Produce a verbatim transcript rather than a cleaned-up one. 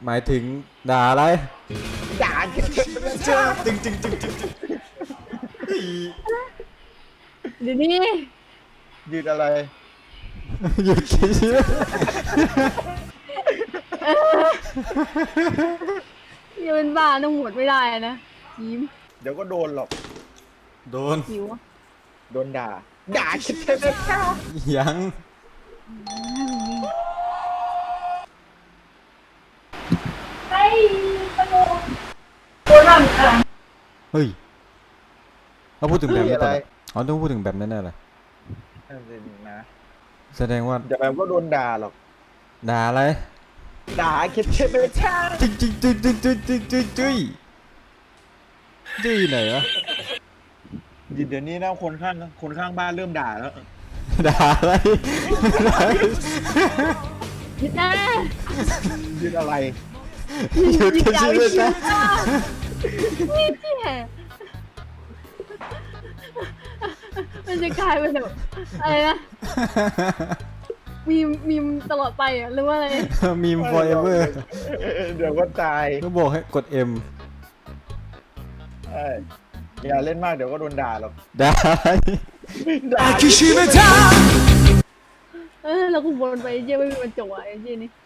หมายถึงด่าอะไรด่าเจ้าจึงจึงจึงจึงจึงเดี๋ยวนี้ยืดอะไรหยุดคิดอย่าเป็นบ้าต้องหมดไม่ได้นะยิ้มเดี๋ยวก็โดนหรอกโดนหิวโดนด่าด่าคิดใช่ไหมครับยังไอ้ตะโกนโคนร่ำค่ะเฮ้ยเราพูดถึงแบบมีนี้อะตอไรนอ๋อต้องพูดถึงแบบนั้นแน่เลยนั่นสินะแสดงว่าเดี๋ยวแบบก็โดนด่าหรอกด่าอะไรด่าคิดใช่ไหมครับจึ๊งจึ๊งจึ๊งจึ๊งจึ๊งจึ๊งจึ๊งจึ๊งจึ๊งไหนวะเดี๋ยวนี้นะคนข้างคนข้างบ้านเริ่มด่าแล้วด่าอะไรยึดนะยืดอะไรหยุดคิดชีวิตนะนี่เจี๊ยมันจะกลายเป็นแบบอะไรนะมีมีมตลอดไปอ่ะหรือว่าอะไรมีม forever เดี๋ยวก็ตายก็บอกให้กด M เอ้ยอย่าเล่นมากเดี๋ยวก็โดนด่าหรอกด่าอะไรด่าเออเราก็วนไปเจี๊ยไม่มีวันจบอ่ะไอ้เจี๊ยนี่